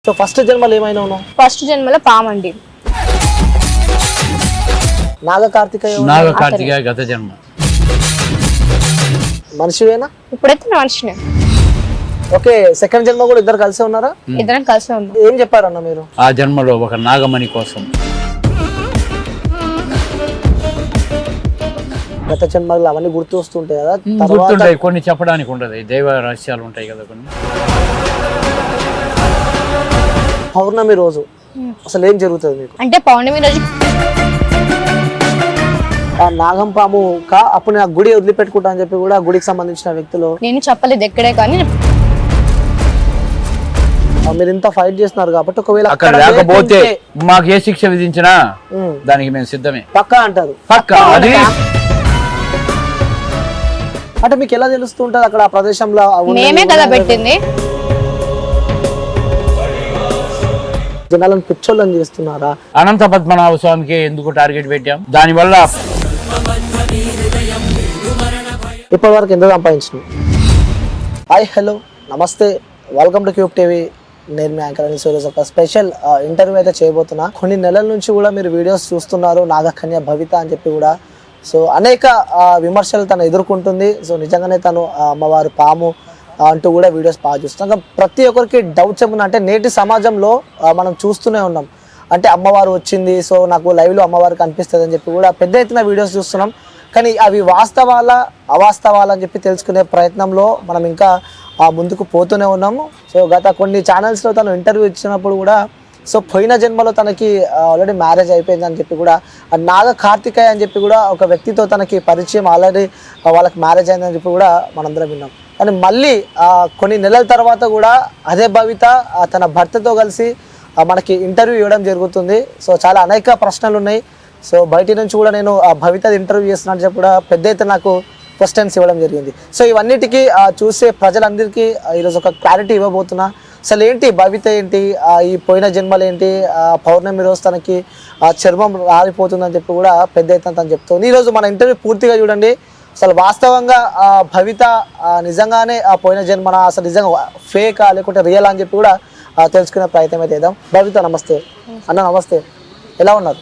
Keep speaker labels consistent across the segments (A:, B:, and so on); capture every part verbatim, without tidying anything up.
A: So first జన్మలో ఏమైనా ఉన్నావు?
B: ఫస్ట్ జన్మలో పామండి.
A: నాగ కార్తికేయ
C: నాగ కార్తికేయ గత జన్మ.
A: మనిషివేనా?
B: ఇప్పుడైతే మనిషినే.
A: ఓకే, సెకండ్ జన్మ కూడా ఇద్దరు కలిసి ఉన్నారా?
B: ఇద్దరం కలిసి ఉన్నాం.
A: ఏం చెప్పారన్న మీరు?
C: ఆ జన్మలో ఒక నాగమణి కోసం.
A: గత జన్మలు అవన్నీ గుర్తు వస్తుంటాయి కదా,
C: గుర్తుంటాయి, కొన్ని చెప్పడానికి ఉండదు, దైవ రహస్యాలు ఉంటాయి కదా కొన్ని.
A: పౌర్ణమి రోజు అసలు ఏం జరుగుతుంది మీకు?
B: అంటే పౌర్ణమి రోజు
A: ఆ నాగం పాము కా అప్పుడు నా గుడి వదిలిపెట్టుకుంటా అని చెప్పి కూడా గుడికి సంబంధించిన వ్యక్తులు
B: నేను చెప్పలేదు ఎక్కడే, కానీ
A: మీరు ఇంత ఫైట్ చేస్తున్నారు కాబట్టి ఒకవేళ
C: అక్కడ లేకపోతే మాకు ఏ శిక్ష విధించినా దానికి మేము సిద్ధమే.
A: పక్కా అంటారు?
C: పక్కా. అది
A: అంటే మీకు ఎలా తెలుస్తుంటది అక్కడ ఆ ప్రదేశంలో?
B: మేమే కదా పెట్టింది.
A: జనాలను పిచ్చోళ్ళని చేస్తున్నారా?
C: అనంత పద్మనాభ స్వామికి ఎందుకు టార్గెట్ పెట్టాం? దాని వల్ల
A: ఇప్పటి వరకు ఎంత సంపాదించినాం? హాయ్, హలో, నమస్తే, వెల్కమ్ టు క్యూబ్ టీవీ. నేను మీ యాంకర్ అని ఈరోజు ఒక స్పెషల్ ఇంటర్వ్యూ అయితే చేయబోతున్నా. కొన్ని నెలల నుంచి కూడా మీరు వీడియోస్ చూస్తున్నారు, నాగకన్య భవిత అని చెప్పి కూడా. సో అనేక విమర్శలు తను ఎదుర్కొంటుంది. సో నిజంగానే తను అమ్మవారు పాము అంటూ కూడా వీడియోస్ బాగా చూస్తాం. ప్రతి ఒక్కరికి డౌట్స్ ఏమన్నా అంటే నేటి సమాజంలో మనం చూస్తూనే ఉన్నాం. అంటే అమ్మవారు వచ్చింది, సో నాకు లైవ్లో అమ్మవారు కనిపిస్తుంది అని చెప్పి కూడా పెద్ద ఎత్తున వీడియోస్ చూస్తున్నాం. కానీ అవి వాస్తవాలా అవాస్తవాలా అని చెప్పి తెలుసుకునే ప్రయత్నంలో మనం ఇంకా ముందుకు పోతూనే ఉన్నాము. సో గత కొన్ని ఛానల్స్లో తను ఇంటర్వ్యూ ఇచ్చినప్పుడు కూడా సో పోయిన జన్మలో తనకి ఆల్రెడీ మ్యారేజ్ అయిపోయింది అని చెప్పి కూడా, నాగ కార్తికేయ అని చెప్పి కూడా ఒక వ్యక్తితో తనకి పరిచయం, ఆల్రెడీ వాళ్ళకి మ్యారేజ్ అయిందని చెప్పి కూడా మనందరం విన్నాం. కానీ మళ్ళీ కొన్ని నెలల తర్వాత కూడా అదే భవిత తన భర్తతో కలిసి మనకి ఇంటర్వ్యూ ఇవ్వడం జరుగుతుంది. సో చాలా అనేక ప్రశ్నలు ఉన్నాయి. సో బయట నుంచి కూడా నేను ఆ భవిత ఇంటర్వ్యూ చేస్తున్నట్టు చెప్పి కూడా పెద్ద ఎత్తున నాకు క్వశ్చన్స్ ఇవ్వడం జరిగింది. సో ఇవన్నిటికీ చూసే ప్రజలందరికీ ఈరోజు ఒక క్లారిటీ ఇవ్వబోతున్నా. అసలు ఏంటి భవిత ఏంటి, ఈ పోయిన జన్మలు ఏంటి, పౌర్ణమి రోజు తనకి చర్మం రాలిపోతుందని చెప్పి కూడా పెద్ద ఎత్తున తను చెప్తుంది. ఈరోజు మన ఇంటర్వ్యూ పూర్తిగా చూడండి. అసలు వాస్తవంగా భవిత నిజంగానే ఆ పోయిన జన్మన, అసలు నిజంగా ఫేకా లేకుంటే రియల్ అని చెప్పి కూడా తెలుసుకునే ప్రయత్నం అయితే చేద్దాం. భవిత నమస్తే. అన్న నమస్తే, ఎలా ఉన్నారు?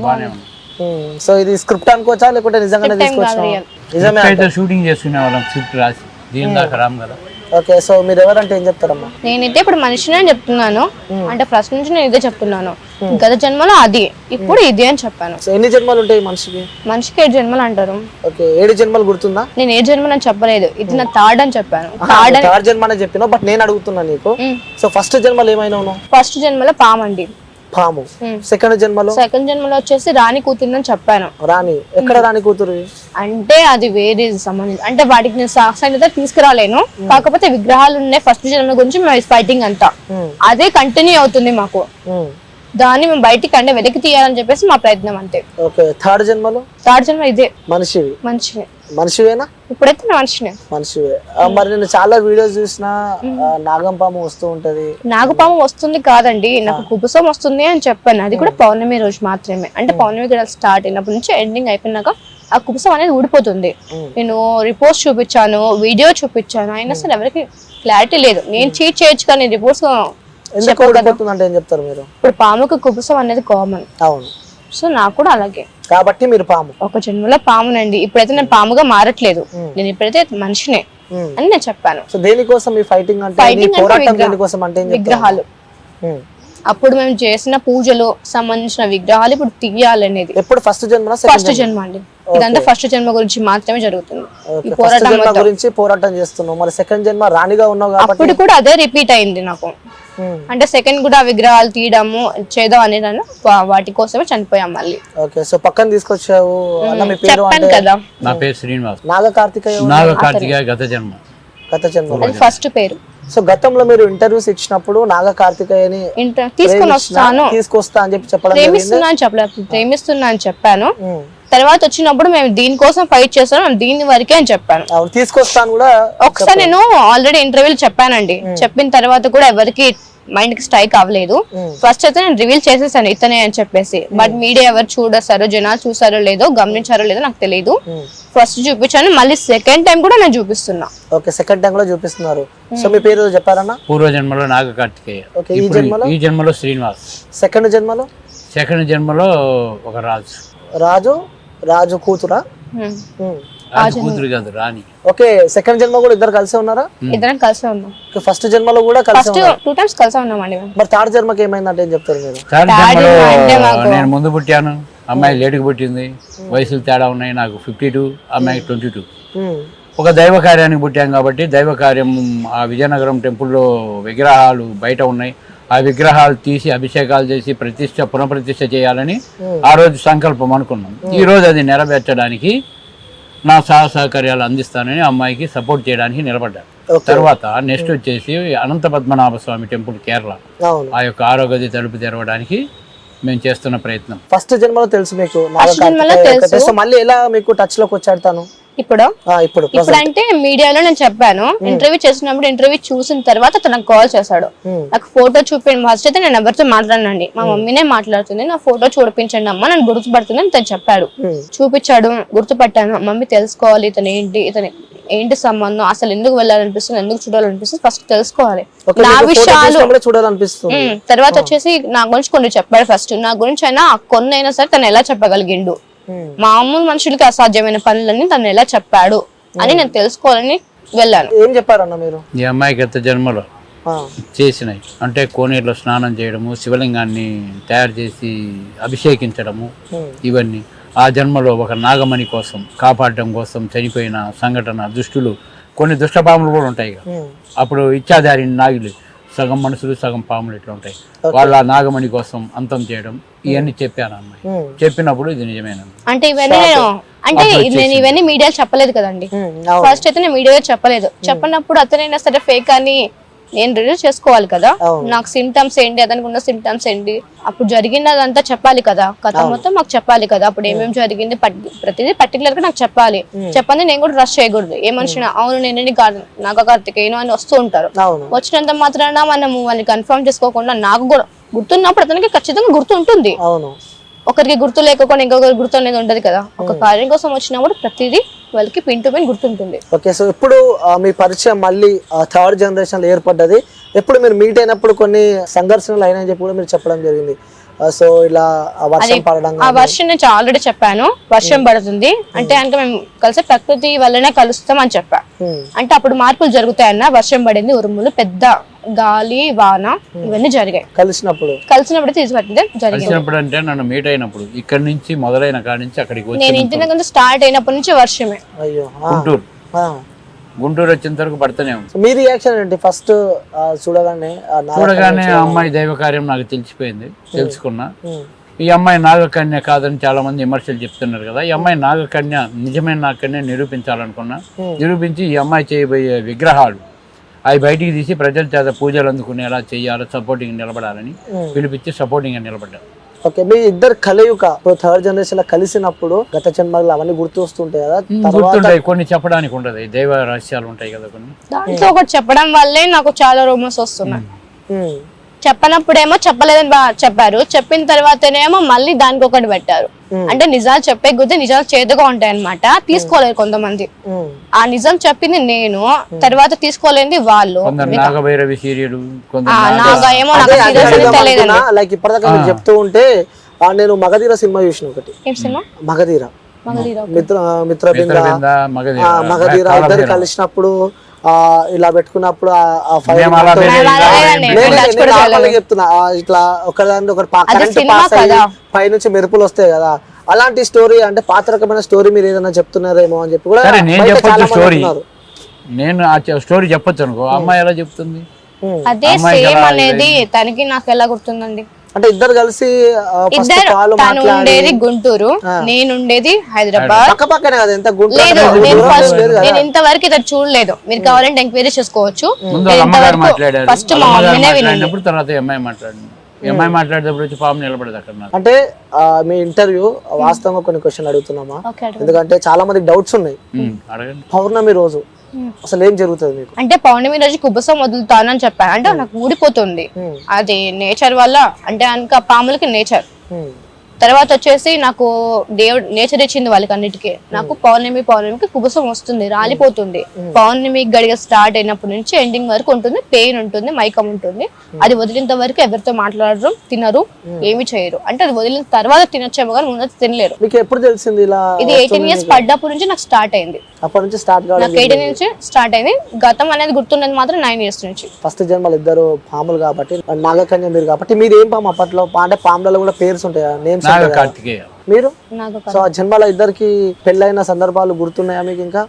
A: సో ఇది స్క్రిప్ట్ అనుకోవచ్చా లేకుంటే నిజంగానే తీసుకోవచ్చా? నిజమే,
C: షూటింగ్ చేసుకునే వాళ్ళం స్క్రిప్ట్ రాసి దీని దాకా రామ్ కదా.
A: ఓకే, సో మీరు ఎవరంటే ఏం చెప్తారమ్మా?
B: నేనైతే ఇప్పుడు మనిషినే చెప్తున్నాను. అంటే ఫస్ట్ నుంచి నేను ఇదే చెప్తున్నాను. గత జన్మలో అది, ఇప్పుడు ఇది అని చెప్పాను.
A: ఎన్ని జన్మలు ఉంటాయి మనిషికి?
B: మనిషికి ఏడు జన్మలు అంటారు.
A: ఓకే, ఏడు జన్మలు గుర్తుందా?
B: నేను ఏ జన్మలు అని చెప్పలేదు, ఇది నా థర్డ్ అని చెప్పాను.
A: థర్డ్ జన్మ అని చెప్పినావు, బట్ నేను అడుగుతున్నా నీకు, సో ఫస్ట్ జన్మలో ఏమైనా ఉన్నావు?
B: ఫస్ట్ జన్మలో పామండి,
A: పాము. సెకండ్ జన్మలో?
B: సెకండ్ జన్మలో వచ్చేసి రాణి కూతురు చెప్పాను.
A: రాణి ఎక్కడ? రాణి కూతురు
B: అంటే అది వేరే సంబంధించి, అంటే వాటికి నేను సాక్షాత్ తీసుకురాలేను. కాకపోతే విగ్రహాలు ఉన్నాయి. ఫస్ట్ జన్మ గురించి ఫైటింగ్ అంతా అదే కంటిన్యూ అవుతుంది మాకు. దాన్ని మేము బయటికి అంటే వెనక్కి తీయాలని చెప్పేసి మా ప్రయత్నం అంతే.
A: ఓకే, థర్డ్ జన్మలో?
B: థర్డ్ జన్మ ఇదే,
A: మనిషివి.
B: మనిషినే.
A: మనిషివేనా?
B: ఇప్పుడైతే మనిషినే.
A: మనిషివే. మరి నేను చాలా వీడియోస్ చూసిన నాగం పాము వస్తూ ఉంటది.
B: నాగపాము వస్తుంది కాదండి, నాకు కుబుసం వస్తుంది అని చెప్పాను. అది కూడా పౌర్ణమి రోజు మాత్రమే. అంటే పౌర్ణమి కూడా స్టార్ట్ అయినప్పటి నుంచి ఎండింగ్ అయిపోయినాక ఆ కుబుసం అనేది ఊడిపోతుంది. నేను రిపోర్ట్స్ చూపించాను, వీడియో చూపించాను, అయినా సరే ఎవరికి క్లారిటీ లేదు. నేను చీట్ చేయొచ్చు కానీ రిపోర్ట్స్
A: ఎందుకు ఊడిపోతుంది అంటే ఏం చెప్తారు మీరు?
B: ఇప్పుడు పాముకు కుబుసం అనేది కామన్.
A: అవును,
B: సో నాకు కూడా అలాగే కాబట్టి
A: మీరు పాము.
B: ఒక జన్మలో పామునండి. ఇప్పుడైతే నేను పాముగా మారట్లేదు, నేను ఇప్పుడైతే మనిషినే అని నేను చెప్పాను.
A: సో దేనికోసం ఈ ఫైటింగ్ అంటే?
B: ఫైటింగ్
A: అంటే
B: విగ్రహాలు. అప్పుడు మేము చేసిన పూజలు సంబంధించిన విగ్రహాలు ఇప్పుడు తీయాలనేది.
A: ఎప్పుడు? ఫస్ట్ జన్మ?
B: ఫస్ట్ జన్మ అండి. ఇదంతా ఫస్ట్ జన్మ గురించి మాత్రమే జరుగుతుంది.
A: ఈ పోరాటం గురించి పోరాటం చేస్తున్నావు. మరి సెకండ్ జన్మ రాణిగా ఉన్నావు కాబట్టి
B: అప్పుడు కూడా అదే రిపీట్ అయింది నాకు. అంటే సెకండ్ కూడా విగ్రహాలు తీయడము చేద్దాం అని వాటి కోసమే చనిపోయాం మళ్ళీ.
A: ఓకే, సో పక్కన తీసుకొచ్చావు.
B: చెప్పాను కదా,
C: నా పేరు శ్రీనివాస్.
A: నాగ కార్తికేయ.
C: నాగ కార్తికేయ గత జన్మ.
A: గత జన్మ
B: ఫస్ట్ పేరు.
A: సో గతంలో మీరు ఇంటర్వ్యూస్ ఇచ్చినప్పుడు నాగ కార్తికేయని
B: తీసుకొని వస్తాను
A: తీసుకొస్తా అని చెప్పి చెప్పడం,
B: ప్రేమిస్తున్నా అని చెప్పలేదు, ప్రేమిస్తున్నా అని చెప్పాను. తర్వాత వచ్చినప్పుడు మేము దీనికోసం ఫైట్ చేస్తాం, దీని వరకే అని చెప్పాను.
A: తీసుకొస్తాను కూడా
B: ఒకసారి నేను ఆల్రెడీ ఇంటర్వ్యూలు చెప్పానండి. చెప్పిన తర్వాత కూడా ఎవరికి మైండ్ కి స్ట్రైక్ అవ్వలేదు. ఫస్ట్ అయితే నేను రివీల్ చేసేసాను ఇతనే అని చెప్పేసి, బట్ మీడియా ఎవరు చూడసారో జనాలు చూసారో లేదో గమనించారో లేదో నాకు తెలియదు. ఫస్ట్ చూపించాను, మళ్ళీ సెకండ్ టైం కూడా నేను చూపిస్తున్నా.
A: ఓకే, సెకండ్ టైం కూడా చూపిస్తున్నారు. సో మీ పేరు చెప్పారన్నా?
C: పూర్వ జన్మలో నాగ కార్తికేయ,
A: ఓకే. ఈ జన్మలో
C: ఈ జన్మలో శ్రీనివాస్.
A: సెకండ్ జన్మలో
C: సెకండ్ జన్మలో ఒక రాజు.
A: రాజు రాజు కూతురా?
C: రాజు కూతురు కాదు, రాణి.
A: ఓకే, సెకండ్ జన్మ కూడా ఇద్దరు కలిసే ఉన్నారా?
B: ఇద్దరం కలిసే ఉన్నాం.
A: ఫస్ట్ జన్మలో కూడా కలిసి
B: ఫస్ట్ టూ టైమ్స్ కలిసే ఉన్నామండి.
A: మరి థర్డ్ జన్మకి ఏమైందంటే ఏం చెప్తారు మీరు?
C: థర్డ్ జన్మలో నేను ముందు పుట్టాను, అమ్మాయి లేటుకు పుట్టింది, వయసులు తేడా ఉన్నాయి. నాకు ఫిఫ్టీ టూ, అమ్మాయికి ట్వంటీ టూ. ఒక దైవ కార్యానికి పుట్టాం కాబట్టి దైవ కార్యం ఆ విజయనగరం టెంపుల్లో విగ్రహాలు బయట ఉన్నాయి. ఆ విగ్రహాలు తీసి అభిషేకాలు చేసి ప్రతిష్ట పునఃప్రతిష్ఠ చేయాలని ఆ రోజు సంకల్పం అనుకున్నాం. ఈ రోజు అది నెరవేర్చడానికి నా సహ సహకార్యాలు అందిస్తానని అమ్మాయికి సపోర్ట్ చేయడానికి నిలబడ్డాను. తర్వాత నెక్స్ట్ వచ్చేసి అనంత పద్మనాభ స్వామి టెంపుల్ కేరళ, ఆ యొక్క ఆరోగ్య తలుపు తెరవడానికి మేము చేస్తున్న ప్రయత్నం.
A: ఫస్ట్ జన్మలో తెలుసు మీకు,
B: తెలుసు.
A: మళ్ళీ ఎలా మీకు టచ్ లోకి వచ్చాడు తను?
B: ఇప్పుడు
A: ఇప్పుడు
B: ఇప్పుడు అంటే మీడియాలో నేను చెప్పాను, ఇంటర్వ్యూ చేసినప్పుడు ఇంటర్వ్యూ చూసిన తర్వాత తనకు కాల్ చేశాడు. నాకు ఫోటో చూపించండి. ఫస్ట్ అయితే నేను ఎవరితో మాట్లాడినండి, మా మమ్మీనే మాట్లాడుతుంది, నా ఫోటో చూపించండి అమ్మ, నన్ను గుర్తుపడుతుంది అని తను చెప్పాడు. చూపించాడు, గుర్తుపట్టాను. మమ్మీ తెలుసుకోవాలి ఇతను ఏంటి, ఇతను ఏంటి సంబంధం, అసలు ఎందుకు వెళ్ళాలనిపిస్తుంది, ఎందుకు చూడాలనిపిస్తుంది, ఫస్ట్ తెలుసుకోవాలి నా విషయాలు
A: చూడాలనిపిస్తుంది.
B: తర్వాత వచ్చేసి నా గురించి కొన్ని చెప్పాడు. ఫస్ట్ నా గురించి అయినా కొన్ని అయినా సరే తను ఎలా చెప్పగలిగిండు, మామూలు మనుషులకి అసాధ్యమైన పనులన్నీ తను ఎలా చెప్పాడు అని నేను తెలుసుకోవాలని వెళ్ళాను.
A: ఏం చెప్పారన్న మీరు?
C: ఈ అమ్మాయి గత జన్మలో చేసినాయి అంటే కోనేరులో స్నానం చేయడము, శివలింగాన్ని తయారు చేసి అభిషేకించడము, ఇవన్నీ ఆ జన్మలో ఒక నాగమణి కోసం కాపాడడం కోసం చనిపోయిన సంఘటన, దుష్టులు కొన్ని దుష్టపాములు కూడా ఉంటాయి కదా, అప్పుడు ఇచ్చాదారి నాగులు సగం మనుషులు సగం పాములు ఇట్లా ఉంటాయి, వాళ్ళ నాగమణి కోసం అంతం చేయడం, ఇవన్నీ చెప్పాను అమ్మాయి. చెప్పినప్పుడు ఇది నిజమేనా
B: అంటే ఇవన్నీ నేను అంటే నేను ఇవన్నీ మీడియాలో చెప్పలేదు కదండి. ఫస్ట్ అయితే నేను మీడియాలో చెప్పలేదు. చెప్పినప్పుడు అతనైనా సరే ఫేక్ అని నేను రిలీజ్ చేసుకోవాలి కదా, నాకు సిమ్టమ్స్ ఏంటి, అతనికి ఉన్న సిమ్టమ్స్ ఏంటి, అప్పుడు జరిగినదంతా చెప్పాలి కదా, కథ మొత్తం మాకు చెప్పాలి కదా, అప్పుడు ఏమేమి జరిగింది ప్రతిదీ పర్టికులర్ గా నాకు చెప్పాలి. చెప్పండి నేను కూడా రష్ చేయకూడదు. ఏ మనిషి అవును నేను నాగ కార్తికేయను అని వస్తూ ఉంటారు, వచ్చినంత మాత్రాన మనము వాళ్ళని కన్ఫర్మ్ చేసుకోకుండా నాకు కూడా గుర్తున్నప్పుడు అతనికి ఖచ్చితంగా గుర్తు ఉంటుంది. ఒకరికి గుర్తు లేకపోతే ఇంకొకరికి గుర్తు అనేది ఉండదు కదా. ఒక కార్యం కోసం వచ్చినప్పుడు ప్రతిదీ వాళ్ళకి పిన్ టు పిన్ గుర్తుంటుంది.
A: ఓకే, సో ఇప్పుడు మీ పరిచయం మళ్ళీ థర్డ్ జనరేషన్ లో ఏర్పడ్డది. ఎప్పుడు మీరు మీట్ అయినప్పుడు కొన్ని సంఘర్షణలు అయినాయని చెప్పి కూడా మీరు చెప్పడం జరిగింది. సో ఇలా వర్షం పడడం,
B: ఆ వర్షం నేను ఆల్రెడీ చెప్పాను, వర్షం పడుతుంది అంటే అంటే మేము కలిసి ప్రకృతి వల్లనే కలుస్తాం అని చెప్పా. అంటే అప్పుడు మార్పులు జరుగుతాయన్న, వర్షం పడింది, ఉరుములు, పెద్ద గాలి, వాన ఇవన్నీ జరిగాయి.
A: కలిసినప్పుడు
B: కలిసినప్పుడు తీసుకొచ్చింది జరిగినప్పుడు
C: అంటే నన్ను మీట్ అయినప్పుడు ఇక్కడ నుంచి మొదలైన కాడి నుంచి అక్కడికి
B: నేను ఇంటి దగ్గర స్టార్ట్ అయినప్పటి నుంచి వర్షమే.
A: అయ్యో,
C: గుంటూరు గుంటూరు వచ్చేంత వరకు పడుతూనే ఉంది.
A: మీ రియాక్షన్ ఏంటి ఫస్ట్ చూడగానే?
C: చూడగానే అమ్మాయి దైవ కార్యం నాకు తెలిసిపోయింది, తెలుసుకున్నా. ఈ అమ్మాయి నాగకన్య కాదని చాలా మంది విమర్శలు చెప్తున్నారు కదా, ఈ అమ్మాయి నాగకన్య నిజమైన నాగకన్య నిరూపించాలనుకున్నా. నిరూపించి ఈ అమ్మాయి చేయబోయే విగ్రహాలు అవి బయటికి తీసి ప్రజల చేత పూజలు అందుకునేలా చేయాలి, సపోర్టింగ్ నిలబడాలని పిలిపించి సపోర్టింగ్ గా నిలబడ్డారు.
A: ఓకే, మీ ఇద్దరు కలయిక థర్డ్ జనరేషన్ లో కలిసినప్పుడు గత జన్మలు అవన్నీ గుర్తు వస్తుంటాయి కదా?
C: గుర్తుంటాయి, కొన్ని చెప్పడానికి ఉండదు, దైవ రహస్యాలు ఉంటాయి కదా కొన్ని.
B: దాంట్లో ఒకటి చెప్పడం వల్లే నాకు చాలా రూమర్స్ వస్తున్నాయి. చెప్పనప్పుడేమో చెప్పలేదని చెప్పారు, చెప్పిన తర్వాతనేమో మళ్ళీ దానికి ఒకటి పెట్టారు. అంటే నిజాలు చెప్పే కొద్దీ నిజాలు చేదుగా ఉంటాయి అనమాట, తీసుకోలేరు కొంతమంది. ఆ నిజం చెప్పింది నేను, తర్వాత తీసుకోలేంది వాళ్ళు.
C: నాగభైరవి సీరియల్
B: ఏమో నాకు తెలియదు.
A: లైక్ ఇప్పటిదాకా మీరు చెప్తూ ఉంటే నేను మగధీర సినిమా చూసిన, ఒకటి మగధీర మిత్ర మిత్రబింద మగధీర ఇద్దరు కలిసినప్పుడు ఇలా పెట్టుకున్నప్పుడు చెప్తున్నా, ఇట్లా ఒకదాని ఒకటి కరెంట్ పాస్ అయ్యి పై నుంచి మెరుపులు వస్తాయి కదా, అలాంటి స్టోరీ అంటే పాత రకమైన స్టోరీ మీరు ఏదైనా చెప్తున్నారేమో అని చెప్పి కూడా
C: నేను ఆ స్టోరీ చెప్పొచ్చు అనుకో. అమ్మాయి ఎలా చెప్తుంది?
B: అదే సేమ్ అనేది తనకి నాకు ఎలా గుర్తుందండి.
A: అంటే ఇద్దరు కలిసి
B: తను ఉండేది గుంటూరు, నేను ఉండేది హైదరాబాద్. నేను ఇంతవరకు ఇద్దరు చూడలేదు, మీరు కావాలంటే ఎంక్వైరీ చేసుకోవచ్చు. ఫస్ట్ మా మమ్మీనే వినండి.
C: అమ్మాయి మాట్లాడేటప్పుడు వచ్చి పాము నిలబడదు అక్కడ.
A: అంటే మీ ఇంటర్వ్యూ వాస్తవంగా కొన్ని క్వశ్చన్ అడుగుతున్నామా, ఎందుకంటే చాలా మంది డౌట్స్ ఉన్నాయి. పౌర్ణమి రోజు అసలు ఏం జరుగుతుంది మీకు?
B: అంటే పౌర్ణమి రోజు కుబుసం వదులుతానని చెప్పాను, అంటే నాకు ఊడిపోతుంది అది నేచర్ వల్ల, అంటే ఇంకా పాములకి నేచర్. తర్వాత వచ్చేసి నాకు దేవుడు నేచర్ ఇచ్చింది వాళ్ళకి అన్నిటికీ. నాకు పౌర్ణమి పౌర్ణమికి కుబుసం వస్తుంది, రాలిపోతుంది. పౌర్ణమి గడిగ స్టార్ట్ అయినప్పటి నుంచి ఎండింగ్ వరకు ఉంటుంది, పెయిన్ ఉంటుంది, మైకం ఉంటుంది. అది వదిలినంత వరకు ఎవరితో మాట్లాడరు, తినరు, ఏమి చేయరు. అంటే అది వదిలిన తర్వాత తినొచ్చేమో కానీ ముందు తినలేరు.
A: మీకు ఎప్పుడు తెలిసింది ఇలా?
B: ఇది ఎయిటీన్ ఇయర్స్ పడ్డప్పటి నుంచి నాకు స్టార్ట్ అయింది.
A: అప్పటి నుంచి స్టార్ట్ కావడం?
B: నాకు ఎయిటీన్ నుంచి స్టార్ట్ అయింది. గతం అనేది గుర్తున్నది మాత్రం నైన్ ఇయర్స్ నుంచి.
A: ఫస్ట్ జన్మలు ఇద్దరు పాములు కాబట్టి, నాగకన్య మీరు కాబట్టి, మీరు ఏం పాము అప్పట్లో? అంటే పాములలో కూడా పేర్స్ ఉంటాయా, నేమ్స్?
C: కార్తికేయ
A: మీరు. సో ఆ జన్మల ఇద్దరికి పెళ్ళైన సందర్భాలు గుర్తున్నాయా మీకు? ఇంకా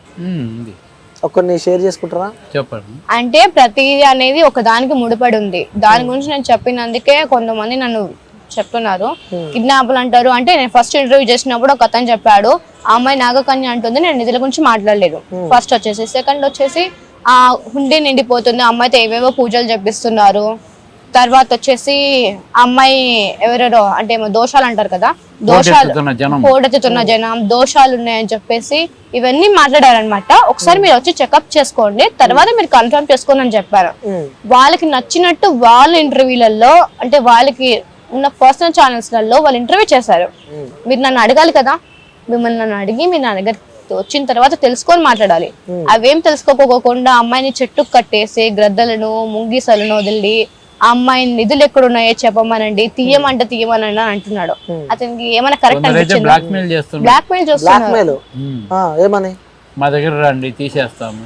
A: కొన్ని షేర్ చేసుకుంటారా?
C: చెప్పండి.
B: అంటే ప్రతిదీ అనేది ఒక దానికి ముడిపడి ఉంది. దాని గురించి నేను చెప్పినందుకే కొంతమంది నన్ను చెప్తున్నారు కిడ్నాప్లు అంటారు. అంటే నేను ఫస్ట్ ఇంటర్వ్యూ చేసినప్పుడు ఒక అతను చెప్పాడు, ఆ అమ్మాయి నాగకన్య అంటుంది, నేను నిధుల గురించి మాట్లాడలేదు. ఫస్ట్ వచ్చేసి. సెకండ్ వచ్చేసి ఆ హుండీ నిండిపోతుంది, అమ్మాయితో ఏవేవో పూజలు చెప్పిస్తున్నారు. తర్వాత వచ్చేసి అమ్మాయి ఎవరెవరో అంటే ఏమో దోషాలు అంటారు కదా, దోషాలు పోడెత్తుతున్న జనం, దోషాలు ఉన్నాయని చెప్పేసి ఇవన్నీ మాట్లాడారనమాట. ఒకసారి మీరు వచ్చి చెకప్ చేసుకోండి, తర్వాత మీరు కన్ఫర్మ్ చేసుకోండి అని చెప్పారు. వాళ్ళకి నచ్చినట్టు వాళ్ళ ఇంటర్వ్యూలలో, అంటే వాళ్ళకి ఉన్న పర్సనల్ ఛానల్స్ లలో వాళ్ళు ఇంటర్వ్యూ చేశారు. మీరు నన్ను అడగాలి కదా, మిమ్మల్ని నన్ను అడిగి మీరు నా దగ్గర వచ్చిన తర్వాత తెలుసుకొని మాట్లాడాలి. అవేం తెలుసుకోకపోకుండా అమ్మాయిని చెట్టుకు కట్టేసి గ్రద్దలను ముంగీసలను వదిలి ఆ అమ్మాయి నిధులు ఎక్కడ ఉన్నాయో చెప్పమనండి, తీయమంటే తీయమనండి అని అంటున్నాడు. అతనికి ఏమైనా కరెక్ట్ అనిపించింది?
C: బ్లాక్ మెయిల్ చేస్తున్నారు.
B: బ్లాక్ మెయిల్ చేస్తున్నారు.
A: ఏమని?
C: మా దగ్గర రండి తీసేస్తాము,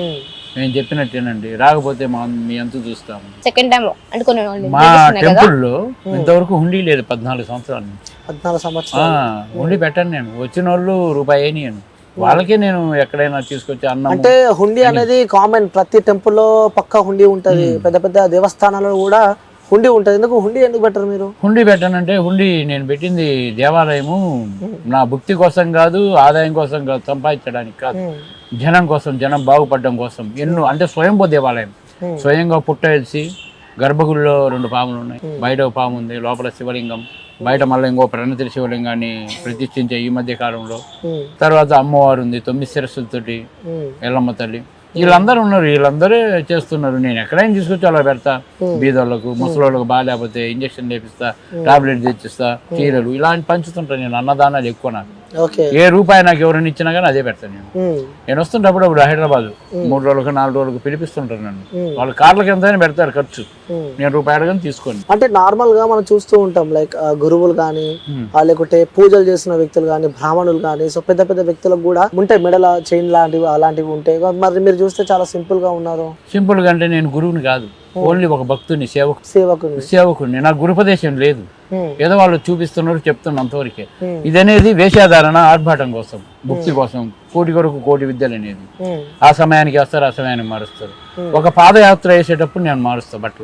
C: నేను చెప్పినట్టేనండి, రాకపోతే మా మీ అంత చూస్తాము.
B: సెకండ్ టైం అంటే కొన్ని
C: మా టెంపుల్ లో ఇంతవరకు హుండీ లేదు పద్నాలుగు సంవత్సరాల నుంచి.
A: పద్నాలుగు సంవత్సరాలు
C: హుండీ పెట్టాను నేను. వచ్చిన వాళ్ళు రూపాయి అయినాను వాళ్ళకే నేను ఎక్కడైనా తీసుకొచ్చి అన్నం.
A: అంటే హుండీ అనేది కామన్, ప్రతి టెంపుల్ లో పక్కా హుండీ ఉంటది, పెద్ద పెద్ద దేవస్థానాల్లో కూడా హుండీ ఉంటది. ఎందుకు హుండీ ఎందుకు పెట్టరు మీరు?
C: హుండీ పెట్టానంటే హుండీ నేను పెట్టింది దేవాలయము నా భక్తి కోసం కాదు, ఆదాయం కోసం కాదు, సంపాదించడానికి కాదు, జనం కోసం, జనం బాగుపడడం కోసం. ఎన్నో అంటే స్వయంభూ దేవాలయం, స్వయంగా పుట్ట వేసి గర్భగుడిలో రెండు పాములు ఉన్నాయి, బయట ఒక పాము ఉంది, లోపల శివలింగం, బయట మళ్ళీ ఇంకో ప్రణతిరి శివలింగాన్ని ప్రతిష్ఠించే ఈ మధ్య కాలంలో. తర్వాత అమ్మవారు ఉంది తొమ్మిది శిరస్సులతోటి, ఎల్లమ్మ తల్లి, వీళ్ళందరూ ఉన్నారు, వీళ్ళందరే చేస్తున్నారు. నేను ఎక్కడైనా తీసుకొచ్చి అలా పెడతా, బీదోళ్ళకు ముసలోళ్ళకు బాగాలేకపోతే ఇంజక్షన్ చేపిస్తా, టాబ్లెట్ తెచ్చిస్తా, చీరలు ఇలాంటి పంచుతుంటాను నేను. అన్నదానాలు ఎక్కువ నాకు. ఏ రూపాయి నాకు ఎవరైనా ఇచ్చినా కానీ అదే పెడతాను నేను. నేను వస్తుంటప్పుడు అప్పుడు హైదరాబాద్ మూడు రోజులకు నాలుగు రోజులకు పిలిపిస్తుంటారు నన్ను. వాళ్ళు కార్లకి ఎంతైనా పెడతారు ఖర్చు, నేను రూపాయి అడగని తీసుకోండి.
A: అంటే నార్మల్ గా మనం చూస్తూ ఉంటాం, లైక్ గురువులు కానీ లేకుంటే పూజలు చేసిన వ్యక్తులు కానీ, బ్రాహ్మణులు కానీ, సో పెద్ద పెద్ద వ్యక్తులకు కూడా ఉంటాయి మెడల చైన్ లాంటివి అలాంటివి ఉంటాయి. మరి మీరు చూస్తే చాలా సింపుల్ గా ఉన్నారు.
C: సింపుల్ గా అంటే నేను గురువుని కాదు, ఓన్లీ ఒక భక్తుని, సేవకు
A: సేవకుని
C: సేవకుని. నాకు గురుపదేశం లేదు, ఏదో వాళ్ళు చూపిస్తున్నారు చెప్తున్నా అంతవరకే. ఇది అనేది వేషాధారణ, ఆర్భాటం కోసం, భక్తి కోసం, కోటి కొరకు కోటి విద్యలు అనేది. ఆ సమయానికి వస్తారు, ఆ సమయానికి మారుస్తారు. ఒక పాదయాత్ర వేసేటప్పుడు నేను మారుస్తా బట్టలు,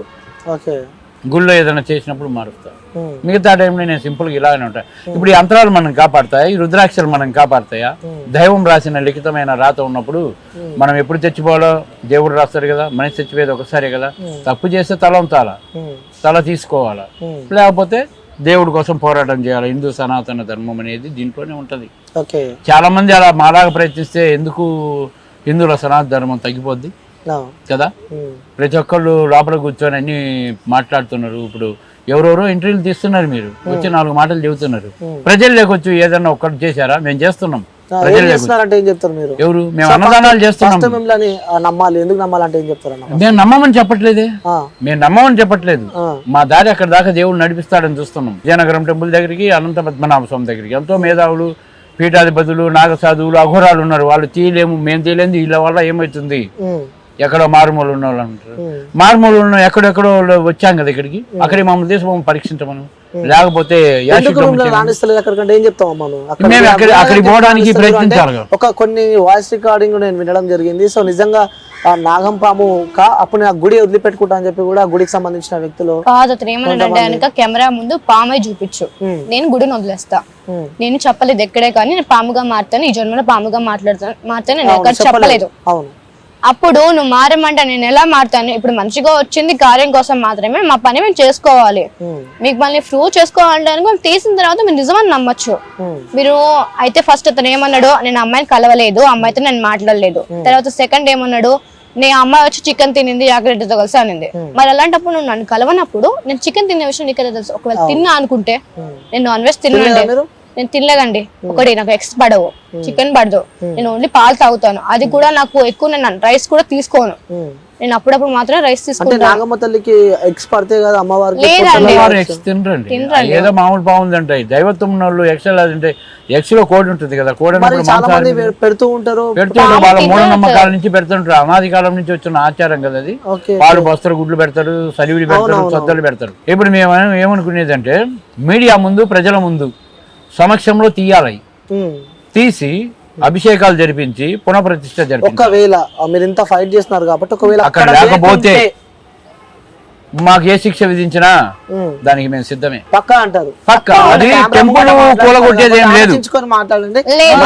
C: గుళ్ళో ఏదైనా చేసినప్పుడు మారుస్తా. మిగతా టైంలో నేను సింపుల్గా ఇలాగనే ఉంటాయి. ఇప్పుడు ఈ యంత్రాలు మనం కాపాడతాయా, ఈ రుద్రాక్షలు మనం కాపాడతాయా? దైవం రాసిన లిఖితమైన రాత ఉన్నప్పుడు మనం ఎప్పుడు చచ్చిపోవాలో దేవుడు రాస్తాడు కదా, మనిషి చచ్చిపోయేది ఒకసారి కదా. తప్పు చేస్తే తల ఉంచాలా, తల తీసుకోవాలా, లేకపోతే దేవుడి కోసం పోరాటం చేయాలి. హిందూ సనాతన ధర్మం అనేది దీంట్లోనే ఉంటది. చాలా మంది అలా మాలాగా ప్రయత్నిస్తే ఎందుకు హిందువుల సనాతన ధర్మం తగ్గిపోద్ది కదా. ప్రతి ఒక్కళ్ళు లోపల కూర్చొని అన్ని మాట్లాడుతున్నారు. ఇప్పుడు ఎవరెవరో ఇంటర్వ్యూలు తీస్తున్నారు, మీరు వచ్చి నాలుగు మాటలు చెబుతున్నారు. ప్రజలు లేకొచ్చు ఏదన్నా ఒక్కటి చేశారా? మేము చేస్తున్నాం. ఎవరు? మేము అన్నదానాలు చేస్తున్నాం. మేము నమ్మమని చెప్పట్లేదే, మేము నమ్మమని చెప్పట్లేదు. మా దారి అక్కడ దాకా దేవుడు నడిపిస్తాడని చూస్తున్నాం. విజయనగరం టెంపుల్ దగ్గరికి, అనంత పద్మనాభ స్వామి దగ్గరికి ఎంతో మేధావులు, పీఠాధిపతులు, నాగసాధువులు, అఘోరాలు ఉన్నారు. వాళ్ళు తీయలేము, మేము తీయలేదు, వీళ్ళ వల్ల ఏమవుతుంది, ఎక్కడో మారుమూలు ఉన్న వాళ్ళు అంటారు. మారుమూలు ఉన్న ఎక్కడెక్కడో వచ్చాం కదా ఇక్కడికి, అక్కడికి మమ్మల్ని తీసి మమ్మల్ని పరీక్షించమను. లేకపోతే అక్కడికి పోవడానికి ప్రయత్నించాలి.
A: ఒక కొన్ని వాయిస్ రికార్డింగ్ నేను వినడం జరిగింది. సో నిజంగా నాగం పాము అప్పుడు ఆ గుడి వదిలిపెట్టుకుంటా అని చెప్పి కూడా గుడికి సంబంధించిన వ్యక్తులు
B: కాదు. అతను ఏమన్నాడంటే కనుక కెమెరా ముందు పామై చూపించు, నేను గుడిని వదిలేస్తా. నేను చెప్పలేదు ఎక్కడే కానీ నేను పాముగా మారుతాను, ఈ జన్మలో పాముగా మాట్లాడతాను మారుతాను నేను ఎక్కడ చెప్పలేదు.
A: అవును.
B: అప్పుడు నువ్వు మారమంటే నేను ఎలా మారుతాను? ఇప్పుడు మంచిగా వచ్చింది కార్యం కోసం మాత్రమే, మా పని మేము చేసుకోవాలి. మీకు మళ్ళీ ప్రూవ్ చేసుకోవాలంటే మేము తీసిన తర్వాత మీరు నిజమని నమ్మచ్చు. మీరు అయితే ఫస్ట్ అతను ఏమన్నాడు, నేను అమ్మాయిని కలవలేదు, అమ్మాయితో నేను మాట్లాడలేదు. తర్వాత సెకండ్ ఏమన్నాడు, నీ అమ్మాయి వచ్చి చికెన్ తినింది జాగ్రత్తతో కలిసి అనింది. మరి అలాంటప్పుడు నువ్వు నన్ను కలవనప్పుడు నేను చికెన్ తినే విషయం నీకు తెలుసు. ఒకవేళ తిన్నా అనుకుంటే, నేను నాన్ వెజ్ తిన్నానండి, నేను తినలేదండి. ఒకటి నాకు ఎగ్స్ పడవు, చికెన్ పడదు, నేను ఓన్లీ పాలు తాగుతాను. అది కూడా నాకు ఎక్కువ, నేను రైస్ కూడా తీసుకోను. నేను అప్పుడప్పుడు మాత్రం రైస్ తీసుకుంటాను.
A: నాగమ్మ తల్లికి ఎగ్స్ పడితే కదా అమ్మవారికి
C: ఎగ్స్ తినరండి, ఏదో మామూలు బాగుందంటే దైవత్వం ఉన్న వాళ్ళు ఎగ్స్ అంటే ఎగ్స్ లో కోడి ఉంటుంది కదా, కోడి
A: చాలా మంది పెడుతూ ఉంటారు.
C: పెడుతుంటారు, వాళ్ళ మూఢనమ్మకాల నుంచి పెడుతుంటారు. అనాది కాలం నుంచి వచ్చిన ఆచారం కదా అది. పాలు బస్తరు, గుడ్లు పెడతారు, సలివిడి పెడతారు, సద్దలు పెడతారు. ఇప్పుడు మేము ఏమనుకునేది అంటే మీడియా ముందు, ప్రజల ముందు సమక్షంలో తీయాలి, తీసి అభిషేకాలు జరిపించి పునఃప్రతిష్ఠ జరిపి.
A: ఒకవేళ మీరు ఇంత ఫైట్ చేస్తున్నారు కాబట్టి ఒకవేళ
C: అక్కడ లేకపోతే మాకు ఏ శిక్ష విధించినా దానికి మేము సిద్ధమే.
A: పక్కా అంటారు,
C: పక్కా. అది టెంపుల్ కూలగొట్టేది ఏం లేదు.
A: మాట్లాడండి,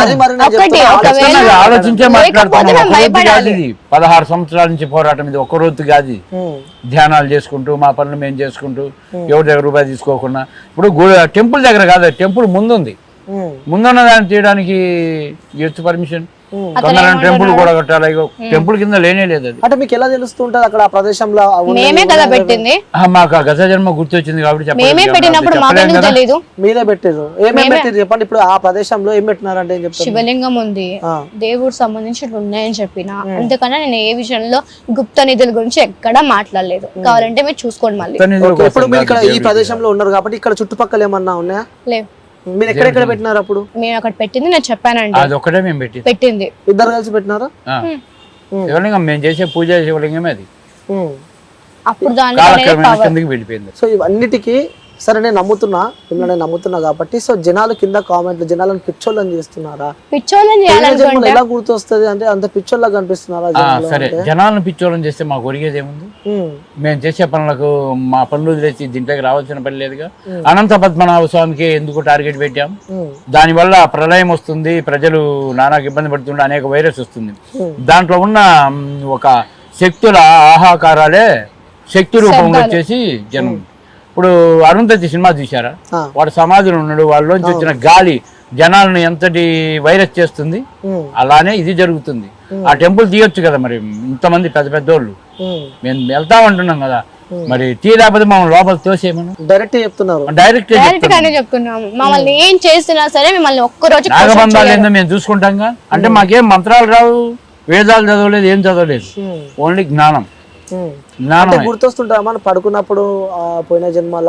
C: ఆలోచించే మాట్లాడుతున్నాం. ఇది పదహారు సంవత్సరాల నుంచి పోరాటం, ఇది ఒక్క రోజు కాదు. ధ్యానాలు చేసుకుంటూ మా పనులు మేము చేసుకుంటూ ఎవరి దగ్గర రూపాయి తీసుకోకుండా. ఇప్పుడు టెంపుల్ దగ్గర కాదు, టెంపుల్ ముందుంది, ముందున్న దాన్ని తీయడానికి ఇచ్చు పర్మిషన్. టెంపుల్ కూడా కట్టాలి, టెంపుల్ కింద లేనే లేదు అది.
A: అంటే మీకు ఎలా తెలుస్తుంటది అక్కడ ఆ ప్రదేశంలో?
B: మేమే కదా పెట్టింది,
C: మాకు గత జన్మ గుర్తొచ్చింది కాబట్టి
B: మేమే పెట్టినప్పుడు మాకు తెలియదు.
A: మీరే పెట్టారు, ఏమేమి పెట్టారు చెప్పండి. ఇప్పుడు ఆ ప్రదేశంలో ఏం పెట్టినారంటే ఏం చెప్తారు?
B: శివలింగం ఉంది, దేవుడు సంబంధించి ఉన్నాయని చెప్పిన. అంతకన్నా నేను ఏ విషయంలో గుప్త నిధుల గురించి ఎక్కడా మాట్లాడలేదు. కావాలంటే మీరు చూసుకోండి మళ్ళీ.
A: ఇప్పుడు మీరు ఇక్కడ ఈ ప్రదేశంలో ఉన్నారు కాబట్టి ఇక్కడ చుట్టుపక్కల ఏమన్నా ఉన్నాయా?
B: లేవు.
A: మీరు ఎక్కడెక్కడ పెట్టినారు? అప్పుడు
B: మేము అక్కడ పెట్టింది నేను చెప్పానండి,
C: అది ఒకటే మేము పెట్టి
B: పెట్టింది.
A: ఇద్దరు కలిసి పెట్టినారా?
C: శివలింగం మేము చేసే పూజ శివలింగమే అది.
B: అప్పుడు దాని
C: వెళ్ళిపోయింది.
A: సో ఇవన్నిటికీ సరే నేను నమ్ముతున్నా, నేను నమ్ముతున్నా కాబట్టి. సో జనాలు కింద కామెంట్లు జనాలను పిచ్చోళ్ళని చేస్తున్నారా?
B: పిచ్చోళ్ళని చేయాలనుకుంటే
A: ఎలా గుర్తొస్తుంది అంటే అంత పిచ్చోళ్ళ కనిపిస్తున్నారా?
C: సరే, జనాలను పిచ్చోళ్ళని చేస్తే మాకు ఒరిగేది ఏముంది? మేము చేసే పనులకు మా పనులు వదిలేసి దీంట్లోకి రావాల్సిన పని లేదుగా. అనంత పద్మనాభ స్వామికి ఎందుకు టార్గెట్ పెట్టాం? దాని వల్ల ప్రళయం వస్తుంది, ప్రజలు నానాకు ఇబ్బంది పడుతుండే, అనేక వైరస్ వస్తుంది. దాంట్లో ఉన్న ఒక శక్తుల ఆహాకారాలే శక్తి రూపంలో వచ్చేసి జనం. ఇప్పుడు అరుంధతి సినిమా చూసారా? వాడు సమాధిలో ఉన్నాడు, వాళ్ళలోంచి వచ్చిన గాలి జనాలను ఎంతటి వైరస్ చేస్తుంది, అలానే ఇది జరుగుతుంది. ఆ టెంపుల్ తీయొచ్చు కదా, మరి ఇంతమంది పెద్ద పెద్దోళ్ళు మేము వెళ్తామంటున్నాం కదా, మరి తీయలేకపోతే మమ్మల్ని లోపల తోసేమను
A: డైరెక్ట్ చెప్తున్నారు.
C: డైరెక్ట్
B: చెప్తున్నాం, మమ్మల్ని ఏం చేసినా సరే మిమ్మల్ని ఒక్కరోజు
C: నాగబంధాలు ఏందో మేము చూసుకుంటాంగా. అంటే మాకేం మంత్రాలు రావు, వేదాలు చదవలేదు, ఏం చదవలేదు, ఓన్లీ జ్ఞానం.
A: గుర్తొస్తుంటా మనం పడుకున్నప్పుడు పోయిన జన్మల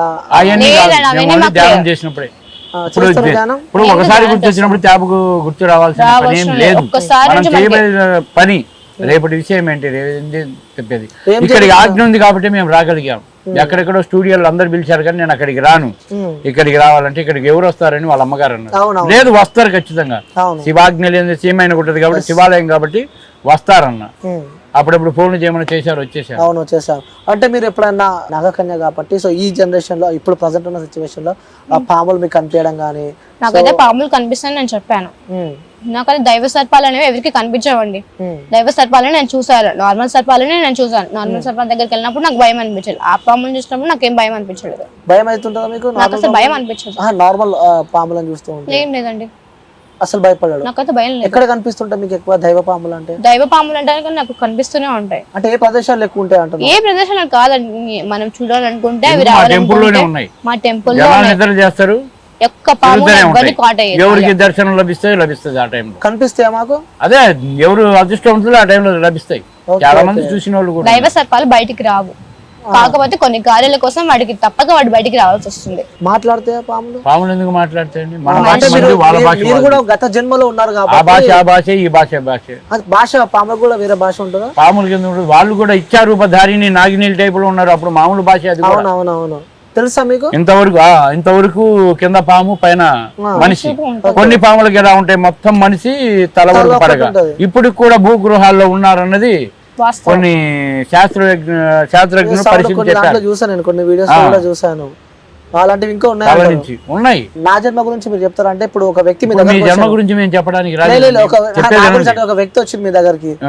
C: ధ్యానం చేసినప్పుడే. ఇప్పుడు ఒకసారి గుర్తొచ్చినప్పుడు ట్యాబ్కు గుర్తు రావాల్సిన పని ఏం లేదు. మనం చేయబడిన పని రేపటి విషయం ఏంటి చెప్పేది. ఇక్కడికి ఆజ్ఞ ఉంది కాబట్టి మేము రాగలిగాం. ఎక్కడెక్కడో స్టూడియోలు అందరు పిలిచారు కానీ నేను అక్కడికి రాను. ఇక్కడికి రావాలంటే ఇక్కడికి ఎవరు వస్తారని వాళ్ళ అమ్మగారు అన్నారు. లేదు, వస్తారు ఖచ్చితంగా. శివాజ్ఞ లేదు, సీమైన ఉంటుంది కాబట్టి శివాలయం కాబట్టి వస్తారన్న. అప్పుడప్పుడు ఫోన్లు చేయమని చేశారు, వచ్చేసారు.
A: అవును, వచ్చేసారు. అంటే మీరు ఎప్పుడైనా నాగకన్య కాబట్టి సో ఈ జనరేషన్ లో ఇప్పుడు ప్రజెంట్ ఉన్న సిచ్యువేషన్ లో ఆ పాములు మీకు కనిపించడం కానీ?
B: నాకైతే పాములు కనిపిస్తాయని నేను చెప్పాను. నాకైతే దైవ సర్పాలు అనేవి ఎవరికి కనిపించవండి. దైవ సర్పాలని నేను చూసాను, నార్మల్ సర్పాలని నేను చూసాను. నార్మల్ సర్పాల దగ్గరికి వెళ్ళినప్పుడు నాకు భయం అనిపించదు. ఆ పాములను చూసినప్పుడు నాకేం భయం అనిపించలేదు.
A: భయం అవుతుంటుందా మీకు?
B: నాకు అసలు భయం అనిపించదు.
A: నార్మల్ పాములను చూస్తూ ఉంటాను.
B: ఏం లేదండి,
A: అసలు భయపడడు.
B: నాకైతే భయం లేదు.
A: ఎక్కడ కనిపిస్తుంటాయి మీకు ఎక్కువ దైవ పాములు అంటే?
B: దైవ పాములు అంటే నాకు కనిపిస్తూనే ఉంటాయి.
A: అంటే ఏ ప్రదేశాలు ఎక్కువ ఉంటాయి అంటారు?
B: ఏ ప్రదేశాలు కాదండి, మనం చూడాలనుకుంటే అవి రావాలనుకుంటే మా టెంపుల్ లో
C: చేస్తారు.
B: ఒక్క పాము ఎవరికి కాట్ అయ్యేది,
C: ఎవరికి దర్శనం లభిస్తాయి లభిస్తుంది ఆ టైంలో.
A: కనిపిస్తాయా మాకు?
C: అదే ఎవరు అదృష్టవంతులు ఆ టైంలో లభిస్తాయి. చాలా మంది చూసిన వాళ్ళు కూడా.
B: దైవ సర్పాలు బయటికి రావు, కాకపోతే కొన్ని కార్యాల కోసం వాడికి తప్పక వాడు బయటికి రావాల్సి వస్తుంది.
A: మాట్లాడితే పాములు
C: పాములు ఎందుకు మాట్లాడతాయండి?
A: మీరు కూడా గత జన్మలో ఉన్నారు కాబట్టి
C: ఆ భాష ఆ భాష ఈ భాష భాష
A: భాష పాములు కూడా వేరే భాష ఉంటుందా?
C: పాములు కింద ఉంటుంది, వాళ్ళు కూడా ఇచ్చారూపధారిని నాగినీళ్ళ టైప్ లో ఉన్నారు. అప్పుడు మామూలు భాష అది.
A: అవునవునవును, తెలుసా మీకు?
C: ఇంతవరకు ఇంతవరకు కింద పాము పైన మనిషి. కొన్ని పాములకి ఎలా ఉంటాయి, మొత్తం మనిషి తల వరకు పడగ. ఇప్పుడు కూడా భూగృహాల్లో ఉన్నారన్నది కొన్ని శాస్త్రజ్ఞ శాస్త్రజ్ఞులు పరిశీలించారు.
A: చూసాను, కొన్ని వీడియోస్ కూడా చూసాను. అలాంటివి ఇంకా ఉన్నాయి
C: ఉన్నాయి
A: నా జన్మ గురించి మీరు చెప్తారా? అంటే ఇప్పుడు ఒక వ్యక్తి మీ
C: దగ్గర జన్మ గురించి మేము చెప్పడానికి
A: ఒక వ్యక్తి వచ్చింది మీ దగ్గరికి,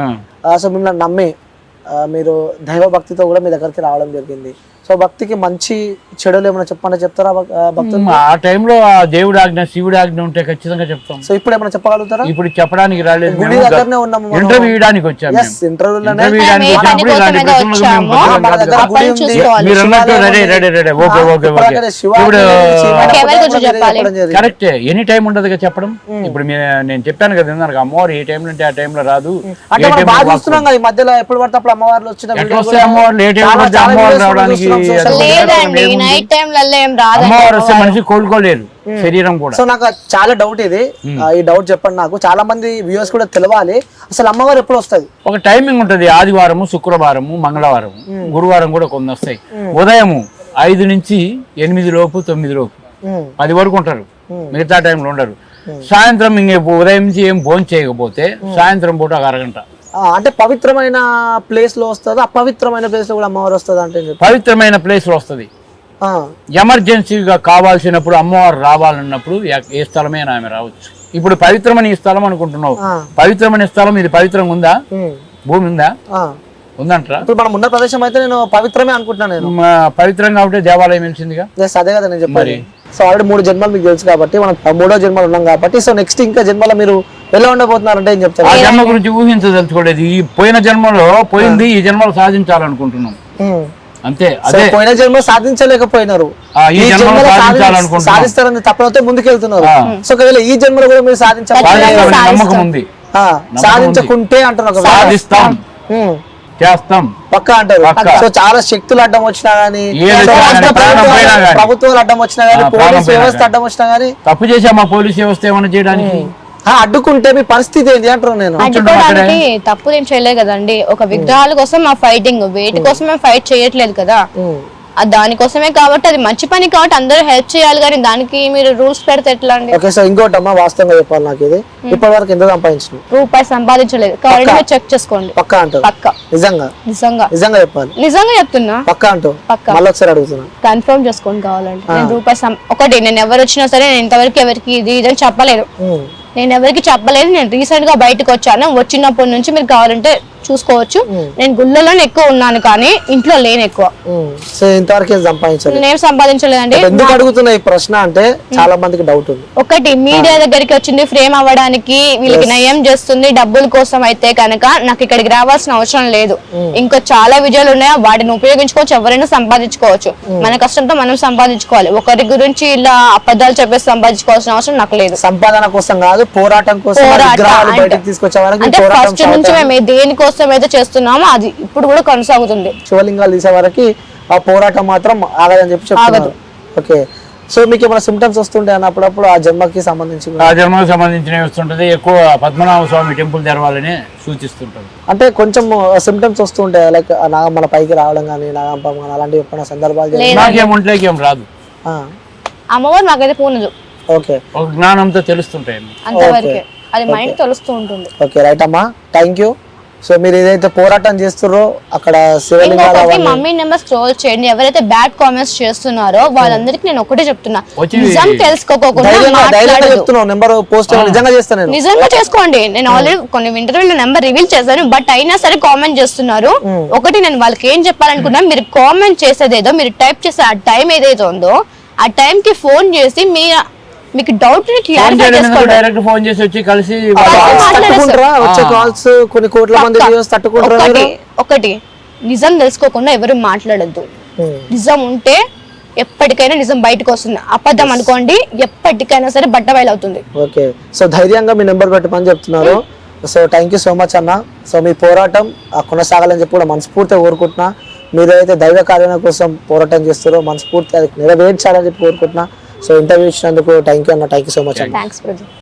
A: సో మిమ్మల్ని నమ్మి ఆ, మీరు దైవ భక్తితో కూడా మీ దగ్గరికి రావడం జరిగింది. సో భక్తికి మంచి చెడులు ఏమైనా చెప్పండి చెప్తారా భక్- ఆ, భక్తులు?
C: ఆ టైంలో ఆ దేవుడి ఆజ్ఞ శివుడి ఆజ్ఞ ఉంటే ఖచ్చితంగా చెప్తాం.
A: సో ఇప్పుడు ఏమైనా చెప్పగలుగుతారా?
C: ఇప్పుడు చెప్పడానికి రాలేదు,
A: గుడి దగ్గరనే ఉన్నాము మనం.
C: ఇంటర్వ్యూ ఇవ్వడానికి వచ్చాము.
A: ఎస్, ఇంటర్వ్యూలోనే
C: ఇంటర్వ్యూ ఇవ్వడానికి
B: మేము
C: వచ్చినప్పుడు
B: పని
C: ఇలాంటి
B: కోసమే
C: ప్రశ్నలకు మేము
B: వచ్చాము.
C: బదులు
A: మన దగ్గర
C: కాదు
A: గుడి
C: కదా.
A: ఉంది,
B: చూసుకోవాలి.
C: మీరు అన్నట్టు
A: శివాలయం
C: రెడీ
A: ఉంది.
C: రెడీ రెడీ ఓకే
A: ఆ,
C: ఓకే
A: ఇప్పుడు
C: ఓకే
A: అక్కడ శివాలయం
C: ఇప్పుడు
A: ఉంది, శివాలయం
B: ఎవరి
A: కూడా
B: గురించి
A: మీరు
B: చెప్పాలి?
A: చెప్పడం జరిగింది.
C: కరెక్టే, ఎనీ టైం ఉండదు కదా చెప్పడం. ఇప్పుడు మీ- నేను చెప్పాను కదా ఇందాక అమ్మవారు ఏ టైంలో అంటే ఆ టైంలో రాదు.
A: అంటే
C: ఏ
A: మనం
C: టైంలో
A: బాగా
C: వాస్తవం.
A: చూస్తున్నాం కదా ఈ మధ్యలో ఎప్పుడు పడితే అప్పుడు అమ్మవార్లు వచ్చిన
C: ఎట్లా
A: వీడియోలు
C: వస్తాయి
A: కూడా
C: అమ్మవార్లు? ఏ టైంలో
A: చాలా-
C: పడితే
A: చాలా
C: అమ్మవారు
A: videos కూడా
C: రావడానికి
A: చూస్తున్నాం social
C: అది
A: media.
B: లేదండి,
C: ఏముంది?
B: నైట్ టైంలలో ఏం రాదండి.
C: అమ్మవారు వస్తే మనిషి కోలుకోలేరు, శరీరం కూడా.
A: సో నాకు చాలా డౌట్ ఇది, ఆ, ఈ డౌట్ చెప్పండి నాకు. చాలా మంది వ్యూవర్స్ కూడా తెలవాలి, అసలు అమ్మవారు ఎప్పుడు వస్తుంది?
C: ఒక టైమింగ్ ఉంటది, ఆదివారము, శుక్రవారము, మంగళవారము, గురువారం కూడా కొన్ని వస్తాయి. ఉదయము ఐదు నుంచి ఎనిమిది లోపు, తొమ్మిది లోపు,
A: ఉమ్,
C: పది వరకు ఉంటారు, మిగతా టైంలో ఉండరు. సాయంత్రం ఇంక ఉదయం నుంచి ఏం భోజనం చేయకపోతే సాయంత్రం పూట ఒక అరగంట.
A: ఆ, అంటే పవిత్రమైన ప్లేస్ లో వస్తుంది, అపవిత్రమైన ప్లేస్ లో కూడా అమ్మవారు వస్తుంది అంటే ఏం చెప్తారు?
C: పవిత్రమైన ప్లేస్ లో వస్తుంది.
A: ఆ,
C: ఎమర్జెన్సీగా కావాల్సినప్పుడు అమ్మవారు రావాలన్నప్పుడు ఎ- ఏ స్థలమైనా ఆమె రావచ్చు. ఇప్పుడు పవిత్రమని ఈ స్థలం అనుకుంటున్నావు,
A: ఆ.
C: పవిత్రమని స్థలం ఇది పవిత్రంగా ఉందా?
A: ఉమ్,
C: భూమి ఉందా?
A: ఆ.
C: ఉందంటారా?
A: ఇప్పుడు మనం ఉన్న ప్రదేశం అయితే నేను పవిత్రమే అనుకుంటున్నాను నేను.
C: మ, పవిత్రంగా ఉంటే దేవాలయం వెలిసిందిగా.
A: Yes, అదే కదా నేను చెప్పాలి. సో ఆల్రెడీ మూడు జన్మలు మీకు తెలుసు కాబట్టి మనం మూడో జన్మలు ఉన్నాం కాబట్టి, సో నెక్స్ట్ ఇంకా జన్మలో మీరు ఎలా ఉండబోతున్నారు అంటే ఏం చెప్తారు?
C: ఆ జన్మ గురించి ఊహించదలుచుకోలేదు. ఈ పోయిన జన్మలో పోయింది, ఈ జన్మలో సాధించాలనుకుంటున్నాం
A: ఉమ్.
C: అంతే.
A: సో
C: అదే
A: పోయిన జన్మ సాధించలేకపోయినారు,
C: ఆ, ఈ
A: ఈ
C: జన్మలో
A: జన్మలో సాధి-
C: సాధించాలనుకుంటున్నాం.
A: సాధిస్తారని తప్పనతో ముందుకెళ్తున్నారు.
C: ఆ.
A: సో ఒకవేళ ఈ జన్మలో కూడా మీరు సాధించాలి,
C: సాధిస్తామని నమ్మకం ఉంది,
A: ఆ, సాధించకుంటే అంటున్నారు ఒకవేళ.
C: సాధిస్తాం,
A: ఉమ్,
C: చేస్తాం.
A: పక్కా అంటారు.
C: పక్కా.
A: సో చాలా శక్తులు అడ్డం వచ్చినా గానీ,
C: ఏది
A: సో
C: వచ్చినా
A: రాష్ట్ర
C: గానీ, ప్రాణం
A: ప్రభుత్వాలు-
C: పోయినా గానీ.
A: ప్రభుత్వాలు అడ్డం వచ్చినా గానీ,
C: ఆ, ప్రాణం
A: పోలీస్
C: పోయినా
A: వ్యవస్థ
C: గానీ.
A: అడ్డం వచ్చినా గానీ,
C: తప్పు చేసామా పోలీస్ వ్యవస్థ ఏమైనా చేయడానికి?
A: ఆ, అడ్డుకుంటే మీ పరిస్థితి ఏంటి అంటారు నేను.
B: అడ్డుకోవడానికి తప్పులు ఏం చేయలేదు కదండి. ఒక విగ్రహాల కోసం మా ఫైటింగ్, వేటి కోసం మేము ఫైట్ చేయట్లేదు కదా.
A: ఉమ్.
B: అది దానికోసమే కాబట్టి, అది మంచి పని కాబట్టి అందరూ హెల్ప్ చేయాలి, కానీ దానికి మీరు రూల్స్ పెడితే ఎట్లా అండి?
A: ఓకే, సో ఇంకోటి అమ్మా, వాస్తవంగా చెప్పాలి నాకు ఇది, ఇప్పటి వరకు ఎంత సంపాదించిన
B: రూపాయి సంపాదించలేదు, కాబట్టి మీరు చెక్ చేసుకోండి.
A: పక్కా అంటారు?
B: పక్క
A: నిజంగా
B: నిజంగా
A: నిజంగా చెప్పాలి,
B: నిజంగా చెప్తున్నా,
A: పక్కా అంటూ
B: పక్కా.
A: మళ్ళీ ఒకసారి అడుగుతున్నా.
B: కన్ఫర్మ్ చేసుకోండి కావాలంటే. నేను రూపాయి సం- ఒకటి, నేను ఎవరు వచ్చినా సరే నేను ఇంతవరకు ఎవరికి ఇది ఇది అని చెప్పలేదు.
A: ఉమ్.
B: నేను ఎవరికి చెప్పలేదు. నేను రీసెంట్ గా బయటకు వచ్చాను, వచ్చినప్పటి నుంచి మీరు కావాలంటే చూసుకోవచ్చు. నేను గుళ్ళలోనే ఎక్కువ ఉన్నాను కానీ ఇంట్లో లేను ఎక్కువ.
A: ఉమ్. సో ఇంతవరకు ఏం సంపాదించాలి?
B: నేనేం సంపాదించలేదండి.
A: ఎందుకు అడుగుతున్నా ఈ ప్రశ్న అంటే చాలా మందికి డౌట్ ఉంది.
B: ఒకటి, మీడియా దగ్గరికి వచ్చింది ఫ్రేమ్ అవ్వడానికి, వీళ్ళకి నయం చేస్తుంది డబ్బుల కోసం అయితే కనుక నాకు ఇక్కడికి రావాల్సిన అవసరం లేదు. ఇంకో చాలా విజయాలు ఉన్నాయి, వాటిని ఉపయోగించుకోవచ్చు, ఎవరైనా సంపాదించుకోవచ్చు. మన కష్టంతో మనం సంపాదించుకోవాలి. ఒకరి గురించి ఇలా అబద్ధాలు చెప్పేసి సంపాదించుకోవాల్సిన అవసరం నాకు లేదు.
A: సంపాదన కోసం కాదు, పోరాటం కోసం,
B: పోరాటం
A: విగ్రహాలు
B: అంటే-
A: బయటకు తీసుకొచ్చే వరకు
B: అంటే
A: పోరాటం
B: ఫస్ట్ నుంచి
A: సాగుతుంది.
B: మేము దేనికోసం అయితే చేస్తున్నామో అది ఇప్పుడు కూడా కొనసాగుతుంది.
A: శివలింగాలు తీసే వరకు ఆ పోరాటం మాత్రం ఆగదని చెప్పి చెప్తున్నారు. ఓకే, సో మీకు ఏమైనా సిమ్టమ్స్ వస్తుంటే అన్నప్పుడప్పుడు ఆ జన్మకి సంబంధించి
C: ఆ జన్మకు సంబంధించినవి వస్తుంటది. ఎక్కువ పద్మనాభ స్వామి టెంపుల్ తెరవాలని సూచిస్తుంటది.
A: అంటే కొంచెం సిమ్టమ్స్ వస్తుంటాయి, లైక్ నాగమ్మల పైకి రావడం కానీ, నాగంపం కానీ, అలాంటివి ఎప్పుడైనా సందర్భాలు జరిగాయా?
C: నాకేం ఒంట్లోకి ఏం రాదు,
A: ఆ,
B: అమ్మవారు నాకైతే పూనదు,
A: ఓకే
C: ఒక జ్ఞానంతో తెలుస్తుంటాయి.
B: అంతవరకే. అది మైండ్ తెలుస్తూ ఉంటుంది.
A: ఓకే రైట్ అమ్మా, థ్యాంక్ యూ. సో మీరు ఏదైతే పోరాటం చేస్తున్నారో అక్కడ శివలింగాలు
B: ఇంకొకటి,
A: అవన్నీ-
B: మమ్మీ నెంబర్ స్క్రోల్ చేయండి. ఎవరైతే బ్యాడ్ కామెంట్స్ చేస్తున్నారో వాళ్ళందరికీ నేను ఒకటే చెప్తున్నా,
C: వచ్చి-
B: నిజం తెలుసుకోకుండా
A: ధైర్యంగా ధైర్యంగా
B: మాట్లాడదు.
A: చెప్తున్నావు, నెంబర్ పోస్ట్ నిజంగా చేస్తాను నేను.
B: నిజంగా చేసుకోండి. నేను ఆల్రెడీ కొన్ని ఇంటర్వ్యూలో నెంబర్ రివీల్ చేశాను, బట్ అయినా సరే కామెంట్ చేస్తున్నారు. ఒకటి, నేను వాళ్ళకి ఏం చెప్పాలనుకున్నా, మీరు కామెంట్ చేసేదేదో, మీరు టైప్ చేసే ఆ టైం ఏదైతే ఉందో ఆ టైం కి ఫోన్ చేసి మీ మీకు డౌట్ ని
C: ఫోన్
B: క్లారిఫై
C: చేయడం
B: చేసుకోండి.
C: డైరెక్ట్ ఫోన్ చేసి వచ్చి కలిసి
A: తట్టుకుంటారా వచ్చే కాల్స్? కొన్ని కోట్ల మంది
B: పక్కా.
A: వ్యూవర్స్ తట్టుకుంటారా
B: ఒకటి
A: మీరు?
B: ఒకటి నిజం తెలుసుకోకుండా ఎవరు మాట్లాడద్దు.
A: ఉమ్.
B: నిజం ఉంటే ఎప్పటికైనా నిజం బయటకు వస్తుంది. అబద్ధం అనుకోండి ఎప్పటికైనా సరే బట్ట బయలవుతుంది.
A: ఓకే, సో ధైర్యంగా మీ నెంబర్ పెట్టమని చెప్తున్నారు. So thank you so much అన్న. సో మీ పోరాటం ఆ, కొనసాగాలని చెప్పి కూడా మనస్ఫూర్తిగా కోరుకుంటున్నా. మీరైతే దైవ కార్యాల కోసం పోరాటం చేస్తారో మనస్ఫూర్తిగా అది నెరవేర్చాలని చెప్పి కోరుకుంటున్నా. సో ఇంటర్వ్యూ ఇచ్చినందుకు థ్యాంక్ యూ అన్న, థ్యాంక్ యూ సో మచ్ అన్న.
B: Thanks brother.